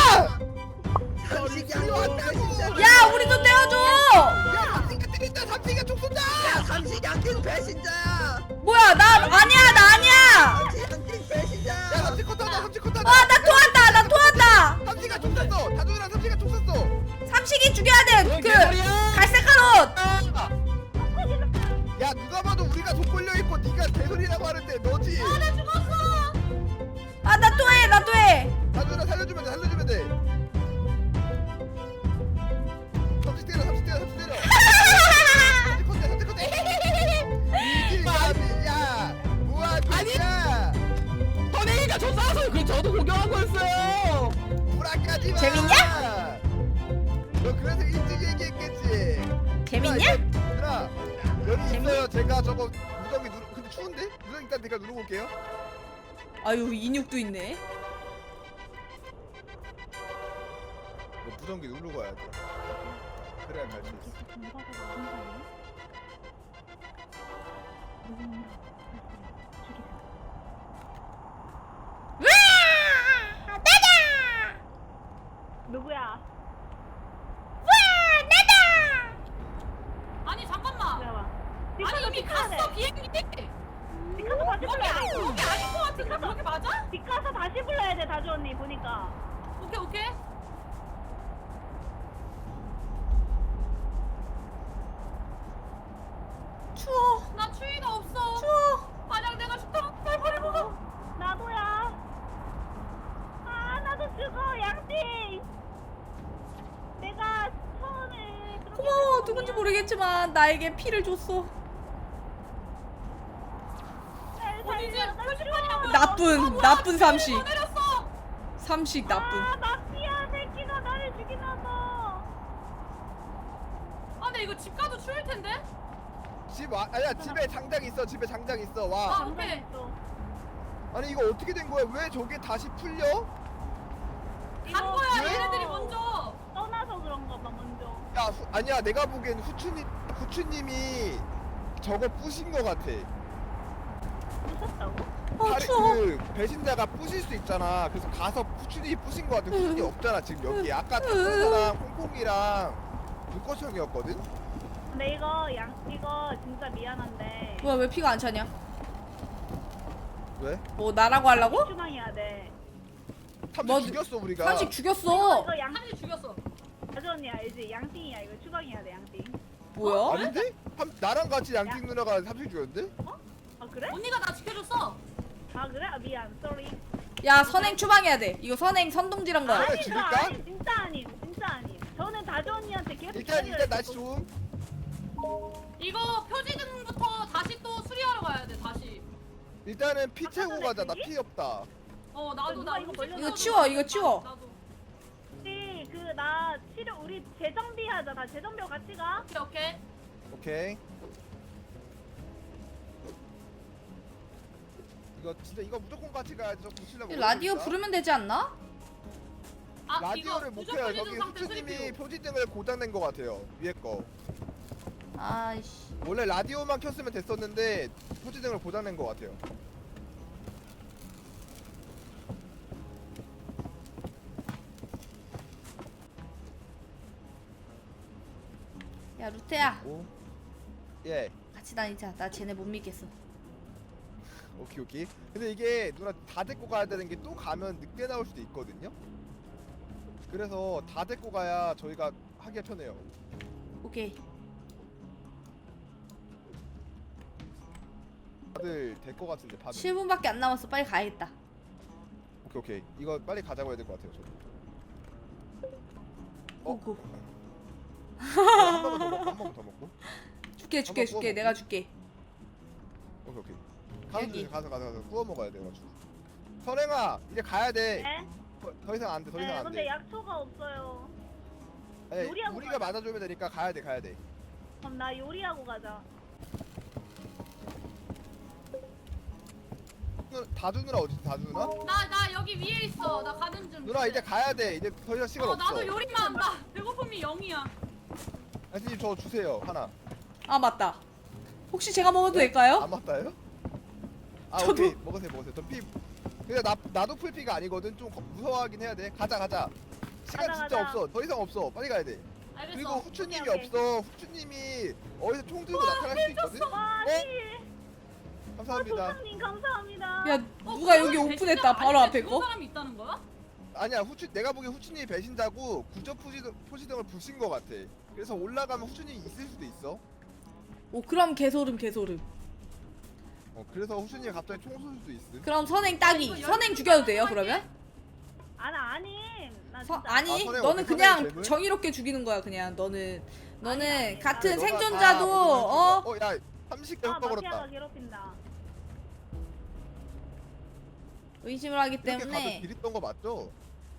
[SPEAKER 7] 삼식이 안 왔다 진짜.
[SPEAKER 2] 야 우리도 떼어줘.
[SPEAKER 1] 야 삼식 같은 게 있다. 삼식이가 총 쏜다.
[SPEAKER 7] 야 삼식 양띵 배신자야.
[SPEAKER 2] 뭐야 나 아니야 나 아니야.
[SPEAKER 7] 삼식 양띵 배신자야.
[SPEAKER 1] 야 삼식 컷하다. 삼식 컷하다.
[SPEAKER 2] 아 나 토한다 나 토한다.
[SPEAKER 1] 삼식아 총 쐈어. 다준이랑 삼식아 총 쐈어.
[SPEAKER 2] 삼식이 죽여야 돼. 그 갈색한 옷.
[SPEAKER 1] 야 누가 봐도 우리가 돈 걸려 있고 네가 개소리라고 하는데 너지.
[SPEAKER 2] 아 나 토해 나 토해.
[SPEAKER 1] 다준아 살려주면 돼. 살려주면 돼. 삼식 때려. 삼식 때려. 삼식 때려. 삼식 컷대. 삼식 컷대. 이기가미 야 뭐하냐?
[SPEAKER 3] 선행이가 저 싸서 그 저도 구경한 거였어요.
[SPEAKER 1] 불안까지 마.
[SPEAKER 2] 재밌냐?
[SPEAKER 1] 너 그래서 일찍 얘기했겠지.
[SPEAKER 2] 재밌냐?
[SPEAKER 1] 누나 여기 있어요. 제가 저거 무전기 누르. 근데 추운데? 무전기 일단 내가 누르고 올게요.
[SPEAKER 2] 아유 인육도 있네.
[SPEAKER 1] 너 무전기 누르고 와야 돼. 그래야 갈 수 있어.
[SPEAKER 4] 누구야?
[SPEAKER 5] 아니 잠깐만.
[SPEAKER 4] 잠깐만.
[SPEAKER 5] 아니 이미 갔어 비행기.
[SPEAKER 4] 디카서 다시
[SPEAKER 5] 여기
[SPEAKER 4] 불러야
[SPEAKER 5] 아니
[SPEAKER 4] 돼.
[SPEAKER 5] 여기 아닌 것 같은데 여기 맞아?
[SPEAKER 4] 디카서 다시 불러야 돼 다주 언니 보니까.
[SPEAKER 5] 오케이 오케이.
[SPEAKER 2] 추워
[SPEAKER 5] 나 추위가 없어.
[SPEAKER 2] 추워.
[SPEAKER 5] 만약 내가 죽다면 날 버리고 가.
[SPEAKER 4] 나도야. 아 나도 죽어. 야
[SPEAKER 2] 했지만 나에게 피를 줬어.
[SPEAKER 5] 어디지? 표지판이라고.
[SPEAKER 2] 나쁜 나쁜 삼식.
[SPEAKER 5] 더 내렸어.
[SPEAKER 2] 삼식 나쁜.
[SPEAKER 4] 아 마피아 새끼가 나를 죽이나 봐.
[SPEAKER 5] 아 근데 이거 집 가도 추울 텐데.
[SPEAKER 1] 집 와, 아니야 집에 장작 있어. 집에 장작 있어. 와.
[SPEAKER 5] 아 오케이.
[SPEAKER 1] 아니 이거 어떻게 된 거야? 왜 저게 다시 풀려?
[SPEAKER 5] 간 거야
[SPEAKER 1] 왜?
[SPEAKER 5] 얘네들이 먼저.
[SPEAKER 4] 떠나서 그런가 봐 먼저.
[SPEAKER 1] 야 후, 아니야 내가 보기엔 후추님 후추님이 저거 부신 거 같아.
[SPEAKER 4] 부셨다고?
[SPEAKER 2] 어
[SPEAKER 1] 다리-
[SPEAKER 2] 추워.
[SPEAKER 1] 그 배신자가 부실 수 있잖아. 그래서 가서 후추님이 부신 거 같아. 후추님 없잖아 지금 여기. 아까 탁구사랑 콩콩이랑 눈꽃형이었거든.
[SPEAKER 4] 근데 이거 양 이거 진짜 미안한데
[SPEAKER 2] 뭐야 왜 피가 안 차냐?
[SPEAKER 1] 왜?
[SPEAKER 2] 뭐 나라고 하려고?
[SPEAKER 4] 추방해야 돼.
[SPEAKER 1] 탐지
[SPEAKER 2] 뭐,
[SPEAKER 1] 죽였어 우리가.
[SPEAKER 2] 삼식
[SPEAKER 4] 이거
[SPEAKER 2] 죽였어.
[SPEAKER 4] 이거 양
[SPEAKER 5] 한이 죽였어.
[SPEAKER 4] 아주 언니 알지? 양띵이야 이거 추방해야 돼 양띵.
[SPEAKER 2] 뭐야?
[SPEAKER 1] 아닌데? 탐, 나랑 같이 양띵 누나가 삼식 죽였는데?
[SPEAKER 4] 아 그래?
[SPEAKER 5] 언니가 나 지켜줬어.
[SPEAKER 4] 아 그래? 아 미안 쏘리.
[SPEAKER 2] 야 선행 추방해야 돼. 이거 선행 선동질한 거야.
[SPEAKER 1] 그래,
[SPEAKER 4] 아니 저
[SPEAKER 1] 죽일까?
[SPEAKER 4] 아니 진짜 아님 진짜 아님. 저는 다주 언니한테 계속
[SPEAKER 1] 일단
[SPEAKER 4] 기다리라
[SPEAKER 1] 일단 날씨
[SPEAKER 4] 했었고.
[SPEAKER 1] 좀.
[SPEAKER 5] 이거 표지등부터 다시 또 수리하러 가야 돼 다시.
[SPEAKER 1] 일단은 피
[SPEAKER 4] 아까
[SPEAKER 1] 채우고
[SPEAKER 4] 전에
[SPEAKER 1] 가자. 나
[SPEAKER 4] 저기?
[SPEAKER 1] 피 없다.
[SPEAKER 5] 어 나도
[SPEAKER 4] 누가
[SPEAKER 5] 나
[SPEAKER 4] 이거
[SPEAKER 5] 음식
[SPEAKER 4] 걸렸나
[SPEAKER 2] 이거
[SPEAKER 5] 나도
[SPEAKER 2] 치워,
[SPEAKER 5] 나-
[SPEAKER 2] 이거 치워.
[SPEAKER 5] 나도.
[SPEAKER 4] 혹시 그 나 치료 우리 재정비하자. 나 재정비 같이 가.
[SPEAKER 5] 오케이 오케이.
[SPEAKER 1] 오케이. 이거 진짜 이거 무조건 같이 가야지. 저 고치려고.
[SPEAKER 2] 라디오
[SPEAKER 1] 그러니까.
[SPEAKER 2] 부르면 되지 않나?
[SPEAKER 5] 아
[SPEAKER 1] 라디오를
[SPEAKER 5] 이거
[SPEAKER 1] 못
[SPEAKER 5] 부족
[SPEAKER 1] 켜요.
[SPEAKER 5] 표지등
[SPEAKER 1] 저기
[SPEAKER 5] 상태
[SPEAKER 1] 후추님이
[SPEAKER 5] 수리표.
[SPEAKER 1] 표지등을 고장낸 거 같아요. 위에 거.
[SPEAKER 2] 아이씨.
[SPEAKER 1] 원래 라디오만 켰으면 됐었는데 표지등을 고장낸 거 같아요.
[SPEAKER 2] 야 루테야
[SPEAKER 1] 오. 예.
[SPEAKER 2] 같이 다니자. 나 쟤네 못 믿겠어.
[SPEAKER 1] 오케이 오케이. 근데 이게 누나 다 데리고 가야 되는 게 또 가면 늑대 나올 수도 있거든요. 그래서 다 데리고 가야 저희가 하기가 편해요.
[SPEAKER 2] 오케이.
[SPEAKER 1] 다들 될 것 같은데 다들.
[SPEAKER 2] 칠 분밖에 안 남았어. 빨리 가야겠다.
[SPEAKER 1] 오케이 오케이. 이거 빨리 가자고 해야 될 것 같아요. 저도. 어?
[SPEAKER 2] 고고.
[SPEAKER 1] 한 번만 더 먹고 한 번만 더 먹고.
[SPEAKER 2] 줄게 줄게
[SPEAKER 1] 한번
[SPEAKER 2] 줄게.
[SPEAKER 1] 구워
[SPEAKER 2] 내가
[SPEAKER 1] 먹고.
[SPEAKER 2] 줄게.
[SPEAKER 1] 오케이 오케이. 가서
[SPEAKER 2] 여기.
[SPEAKER 1] 주세요. 가서 가서 가서 구워 먹어야 돼가지고. 선행아 이제 가야 돼.
[SPEAKER 4] 네?
[SPEAKER 1] 더, 더 이상 안 돼. 더 이상
[SPEAKER 4] 네
[SPEAKER 1] 안
[SPEAKER 4] 근데
[SPEAKER 1] 돼.
[SPEAKER 4] 약초가 없어요.
[SPEAKER 1] 아니,
[SPEAKER 4] 요리하고
[SPEAKER 1] 우리가
[SPEAKER 4] 가자.
[SPEAKER 1] 맞아주면 되니까 가야 돼 가야 돼.
[SPEAKER 4] 그럼 나 요리하고 가자.
[SPEAKER 1] 누- 다주 누나 어디 다주 누나?
[SPEAKER 5] 나 나 여기 위에 있어. 나 가는 중.
[SPEAKER 1] 누나 이제 가야 돼. 이제 더 이상 시간
[SPEAKER 5] 어
[SPEAKER 1] 없어.
[SPEAKER 5] 나도 요리만 한다. 배고픔이 영이야.
[SPEAKER 1] 아저씨 저 주세요 하나.
[SPEAKER 2] 아 맞다. 혹시 제가 먹어도 될까요?
[SPEAKER 1] 안 맞다요? 아
[SPEAKER 2] 저도.
[SPEAKER 1] 오케이 먹으세요 먹으세요. 저 피. 근데 나 나도 풀피가 아니거든. 좀 거- 무서워하긴 해야 돼. 가자 가자. 시간
[SPEAKER 4] 가자,
[SPEAKER 1] 진짜
[SPEAKER 4] 가자.
[SPEAKER 1] 없어. 더 이상 없어. 빨리 가야 돼.
[SPEAKER 5] 알겠어.
[SPEAKER 1] 그리고 후추님이
[SPEAKER 4] 오케이, 오케이.
[SPEAKER 1] 없어. 후추님이 어디서 총 들고 나타날 수 있거든.
[SPEAKER 4] 와
[SPEAKER 1] 어?
[SPEAKER 4] 씨.
[SPEAKER 1] 감사합니다.
[SPEAKER 4] 소장님 감사합니다.
[SPEAKER 2] 야
[SPEAKER 5] 어,
[SPEAKER 2] 누가 여기
[SPEAKER 5] 그러면
[SPEAKER 2] 오픈했다.
[SPEAKER 5] 배신자
[SPEAKER 2] 바로
[SPEAKER 5] 아닌데
[SPEAKER 2] 앞에
[SPEAKER 5] 죽은
[SPEAKER 2] 거.
[SPEAKER 5] 사람이 있다는 거야?
[SPEAKER 1] 아니야 후추 내가 보기엔 후추님이 배신자고 구조 포지등 포지등을 부신 것 같아. 그래서 올라가면 후추님이 있을 수도 있어.
[SPEAKER 2] 오 그럼 개소름 개소름.
[SPEAKER 1] 어 그래서 후추님이 갑자기 총 쏠 수도 있음.
[SPEAKER 2] 그럼 선행 따기.
[SPEAKER 5] 이거
[SPEAKER 2] 선행
[SPEAKER 5] 열두
[SPEAKER 2] 죽여도 돼요
[SPEAKER 5] 번
[SPEAKER 2] 그러면?
[SPEAKER 4] 아나 아님. 나
[SPEAKER 2] 서,
[SPEAKER 4] 진짜
[SPEAKER 2] 아니
[SPEAKER 1] 아, 선행
[SPEAKER 2] 너는
[SPEAKER 1] 어때?
[SPEAKER 2] 그냥
[SPEAKER 1] 선행 괴물?
[SPEAKER 2] 정의롭게 죽이는 거야 그냥. 너는 너는
[SPEAKER 4] 아니, 아니,
[SPEAKER 2] 같은
[SPEAKER 1] 너가 다
[SPEAKER 2] 생존자도 어
[SPEAKER 1] 먹으면 죽어. 어, 야 삼십 개
[SPEAKER 4] 아
[SPEAKER 1] 헛바
[SPEAKER 4] 마피아가
[SPEAKER 1] 걸었다.
[SPEAKER 4] 괴롭힌다.
[SPEAKER 2] 의심을 하기
[SPEAKER 1] 이렇게 가서
[SPEAKER 2] 때문에
[SPEAKER 1] 길 있던 거 맞죠?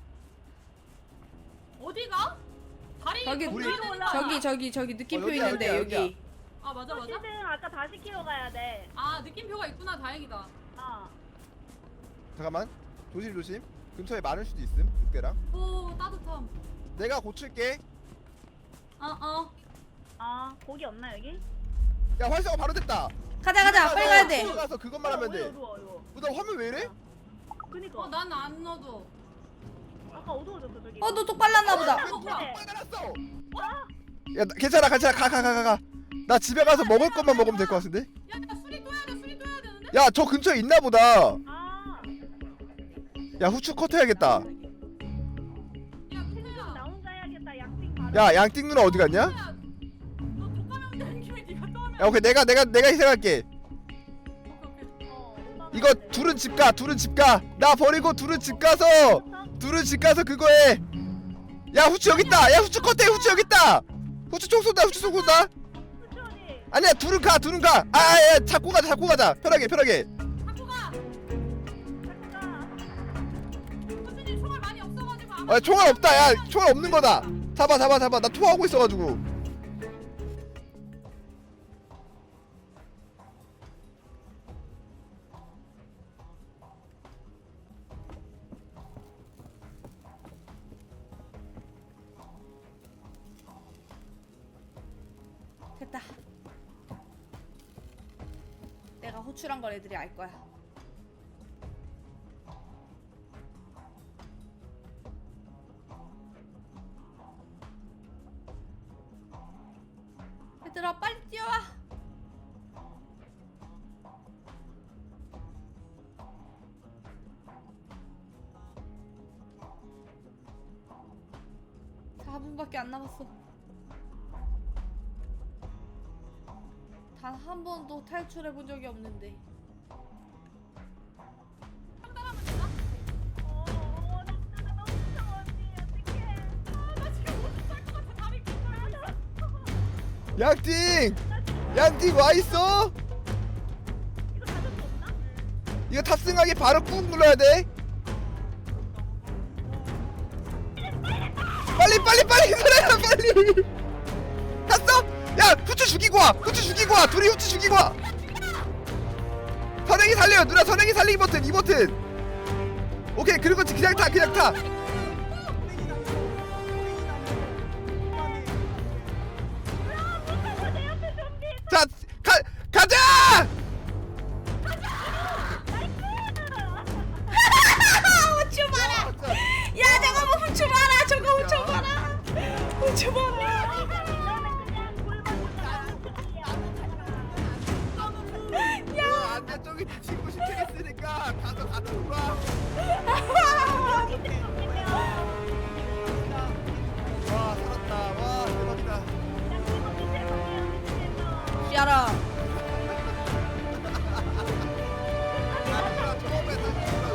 [SPEAKER 5] 어디가? 다리
[SPEAKER 2] 저기
[SPEAKER 5] 건너야
[SPEAKER 1] 우리-
[SPEAKER 5] 되는 거
[SPEAKER 2] 저기
[SPEAKER 5] 아니야?
[SPEAKER 2] 저기 저기 느낌표
[SPEAKER 1] 어, 여기야,
[SPEAKER 2] 있는데
[SPEAKER 1] 여기야,
[SPEAKER 2] 여기.
[SPEAKER 1] 여기야.
[SPEAKER 5] 아 맞아 맞아.
[SPEAKER 4] 시즌 아까 다시 키로 가야 돼.
[SPEAKER 5] 아 느낌표가 있구나. 다행이다.
[SPEAKER 4] 아
[SPEAKER 1] 잠깐만 조심 조심. 근처에 많을 수도 있음 늑대랑.
[SPEAKER 5] 오 따뜻함.
[SPEAKER 1] 내가 고칠게.
[SPEAKER 5] 어 어.
[SPEAKER 4] 아 고기 없나 여기?
[SPEAKER 1] 야 활성화 바로 됐다.
[SPEAKER 2] 가자 가자 빨리 가야 돼.
[SPEAKER 1] 집에 가서 그것만 하면 돼.
[SPEAKER 4] 어두워 이거.
[SPEAKER 1] 어, 나 화면 왜 이래?
[SPEAKER 4] 그니까.
[SPEAKER 5] 어 난 안 넣어도.
[SPEAKER 4] 아까 어두워졌어 저기.
[SPEAKER 2] 어 너 또 빨랐나 보다.
[SPEAKER 5] 어 뭐야?
[SPEAKER 4] 네.
[SPEAKER 1] 빨리 달았어. 야 나- 괜찮아 괜찮아 가 가 가 가 가. 나 집에 가서 먹을 것만 먹으면 될 것 같은데?
[SPEAKER 5] 야야 술이 또 해야 돼. 술이 또 해야 되는데?
[SPEAKER 1] 야 저 근처에 있나 보다.
[SPEAKER 4] 아
[SPEAKER 1] 야 후추 컷 해야겠다.
[SPEAKER 5] 야
[SPEAKER 4] 나
[SPEAKER 5] 누구야?
[SPEAKER 4] 혼자 해야겠다. 양띵 바로.
[SPEAKER 1] 야 양띵 누나 어디 갔냐?
[SPEAKER 5] 누구야? 너 독감염 되는 김에 네가 또 하면.
[SPEAKER 1] 야 오케이 내가 내가 내가 희생할게.
[SPEAKER 5] 오케이 오케이.
[SPEAKER 4] 어, 오빠가
[SPEAKER 1] 이거
[SPEAKER 4] 해야 돼.
[SPEAKER 1] 둘은 집 가. 둘은 집 가. 나 버리고 둘은 집 가서 둘은 집 가서 그거 해. 야 후추 여기 있다. 야 후추 컷해. 후추 여기 있다. 후추 총 쏜다. 후추 총 쏜다. 아니야 둘은 가 둘은 가. 아야 잡고 가자 잡고 가자. 편하게 편하게.
[SPEAKER 5] 갖고 가. 교수님 총알 많이 없어가지고 아마.
[SPEAKER 1] 아 총알 없다. 야 총알 없는 거다. 잡아 잡아 잡아. 나 토하고 있어가지고.
[SPEAKER 2] 됐다. 내가 호출한 걸 애들이 알 거야. 얘들아 빨리 뛰어와. 사 분밖에 안 남았어. 단 한 번도 탈출해 본 적이 없는데.
[SPEAKER 5] 판단하면 되나?
[SPEAKER 4] 어, 나 진짜 너무 무서워 언니. 어떡해.
[SPEAKER 5] 아, 나 지금 못살것 같아. 다리 빗걸려.
[SPEAKER 1] 양띵 양띵 와 있어.
[SPEAKER 4] 이거 가져도 없나?
[SPEAKER 1] 이거 탑승하기 바로 꾹 눌러야 돼. 빨리 빨리 빨리 그래 빨리. 갔어? 야 후추 죽이고 와. 후추 죽이고 와. 둘이 후추 죽이고 와. 선행이 살려요. 누나 선행이 살리기 버튼 이 버튼. 오케이 그리고 그냥 타 그냥 타. 자 가, 가자.
[SPEAKER 2] 후추 봐라. 야 저거 뭐 후추 봐라. 저거 후추 봐라. 후추 봐라.
[SPEAKER 1] 안돼 저기 친구 시키겠으니까 가서 같이 놀아. 와 살았다. 와 대박이다.
[SPEAKER 2] 야라.
[SPEAKER 1] 아, 처음에 사진이가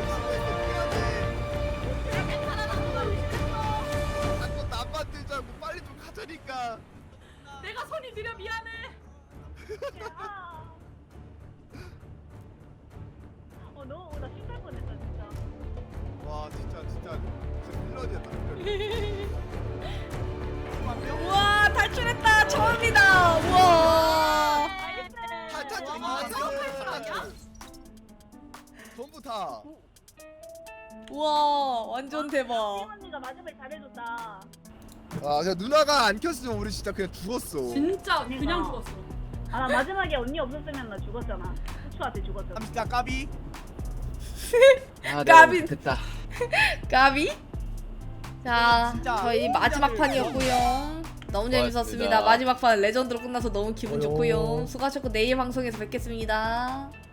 [SPEAKER 1] 의심했어. 자꾸 나만 들자고 빨리 좀 가자니까.
[SPEAKER 5] 내가 손이 느려 미안해.
[SPEAKER 4] 어, 너무 나 신갈 뻔했다 진짜.
[SPEAKER 1] 와 진짜 진짜 진짜 필러지였다.
[SPEAKER 2] 우와 탈출했다. 처음이다. 우와.
[SPEAKER 1] 탈탈
[SPEAKER 5] 와, 탈출 아니야?
[SPEAKER 1] 전부 다.
[SPEAKER 2] 우와 완전 대박.
[SPEAKER 4] 언니가 마지막에 잘해줬다.
[SPEAKER 1] 아, 그냥 누나가 안 켰으면 우리 진짜 그냥 죽었어.
[SPEAKER 5] 진짜 그냥
[SPEAKER 4] 그러니까.
[SPEAKER 5] 죽었어.
[SPEAKER 4] 아, 나 마지막에 언니 없었으면 나 죽었잖아. 후추한테 죽었잖아.
[SPEAKER 6] 삼십자 까비.
[SPEAKER 3] 아,
[SPEAKER 2] 까비.
[SPEAKER 3] 됐다.
[SPEAKER 2] 까비. 자
[SPEAKER 6] 진짜
[SPEAKER 2] 저희 마지막 판이었고요. 너무 재밌었습니다.
[SPEAKER 3] 고맙습니다.
[SPEAKER 2] 마지막 판 레전드로 끝나서 너무 기분
[SPEAKER 1] 어요.
[SPEAKER 2] 좋고요. 수고하셨고 내일 방송에서 뵙겠습니다.